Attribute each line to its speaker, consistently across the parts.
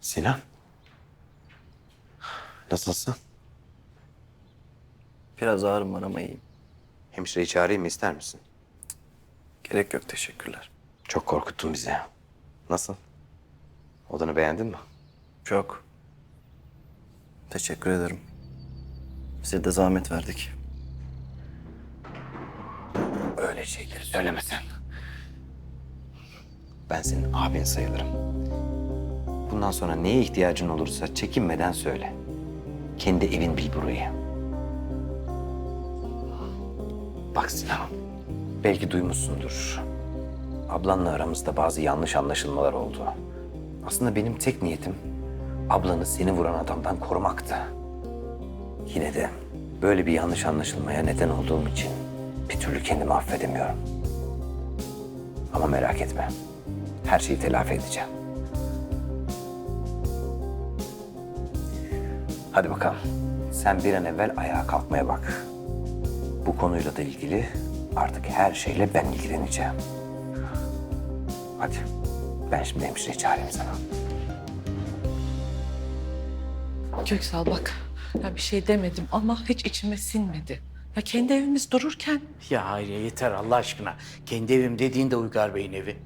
Speaker 1: Sinan. Nasılsın?
Speaker 2: Biraz ağrım var ama iyiyim.
Speaker 1: Hemşireyi çağırayım mı, ister misin?
Speaker 2: Gerek yok, teşekkürler.
Speaker 1: Çok korkuttun bizi. Nasıl? Odanı beğendin mi?
Speaker 2: Çok. Teşekkür ederim. Size de zahmet verdik.
Speaker 1: Öyle şeyleri söyleme sen. Ben senin abin sayılırım. Bundan sonra neye ihtiyacın olursa çekinmeden söyle. Kendi evin bil burayı. Bak Sinan, belki duymuşsundur. Ablanla aramızda bazı yanlış anlaşılmalar oldu. Aslında benim tek niyetim ablanı seni vuran adamdan korumaktı. Yine de böyle bir yanlış anlaşılmaya neden olduğum için bir türlü kendimi affedemiyorum. Ama merak etme, her şeyi telafi edeceğim. Hadi bakalım, sen bir an evvel ayağa kalkmaya bak. Bu konuyla da ilgili artık her şeyle ben ilgileneceğim. Hadi, ben şimdi hemşireyi çağırayım sana.
Speaker 3: Köksal bak, ya bir şey demedim ama hiç içime sinmedi. Ya kendi evimiz dururken
Speaker 4: Ya Hayriye yeter Allah aşkına. Kendi evim dediğin de Uygar Bey'in evi.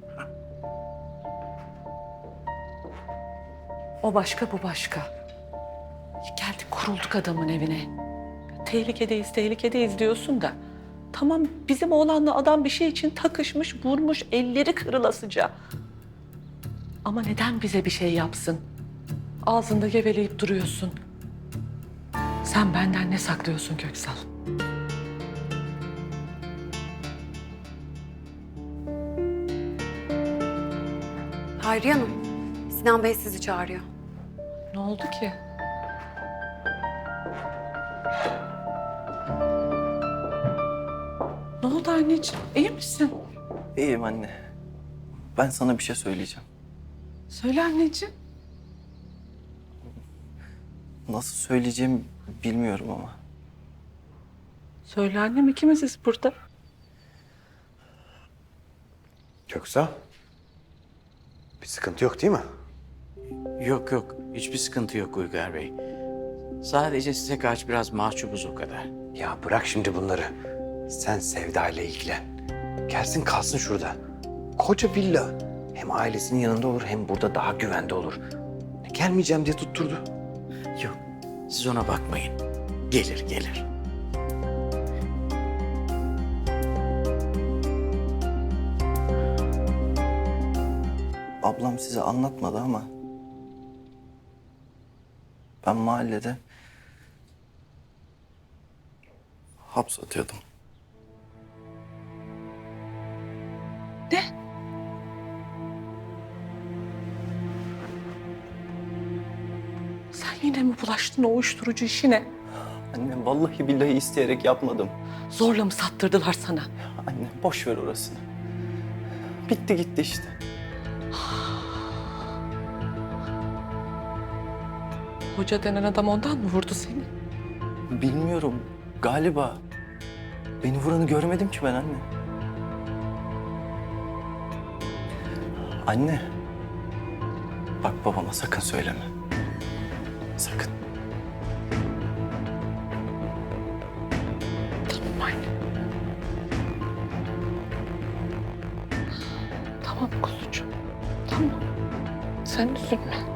Speaker 3: o başka bu başka. Geldik kurulduk adamın evine. Tehlikedeyiz, tehlikedeyiz diyorsun da. Tamam bizim oğlanla adam bir şey için takışmış, vurmuş, elleri kırılasıca. Ama neden bize bir şey yapsın? Ağzında geveleyip duruyorsun. Sen benden ne saklıyorsun Köksal?
Speaker 5: Hayriye Hanım, Sinan Bey sizi çağırıyor.
Speaker 3: Ne oldu ki? Ne oldu anneciğim? İyi misin?
Speaker 2: İyiyim anne. Ben sana bir şey söyleyeceğim.
Speaker 3: Söyle anneciğim.
Speaker 2: Nasıl söyleyeceğimi bilmiyorum ama.
Speaker 3: Söyle annem, ikimiziz burada.
Speaker 1: Köksal, bir sıkıntı yok değil mi?
Speaker 4: Yok yok hiçbir sıkıntı yok Uygar Bey. Sadece size karşı biraz mahcubuz o kadar.
Speaker 1: Ya bırak şimdi bunları. Sen Sevda ile ilgilen. Gelsin kalsın şurada. Koca villa. Hem ailesinin yanında olur hem burada daha güvende olur. Gelmeyeceğim diye tutturdu.
Speaker 4: Yok siz ona bakmayın. Gelir gelir.
Speaker 2: Ablam size anlatmadı ama... ben mahallede... hapsatıyordum.
Speaker 3: Ne? Sen yine mi bulaştın o uyuşturucu işine?
Speaker 2: Anne vallahi billahi isteyerek yapmadım.
Speaker 3: Zorla mı sattırdılar sana?
Speaker 2: Anne boş ver orasını. Bitti gitti işte.
Speaker 3: Hoca denen adam ondan mı vurdu seni?
Speaker 2: Bilmiyorum. Galiba. Beni vuranı görmedim ki ben anne. Anne. Bak babama sakın söyleme. Sakın.
Speaker 3: Tamam anne. Tamam kuzucuğum. Tamam. Sen üzülme.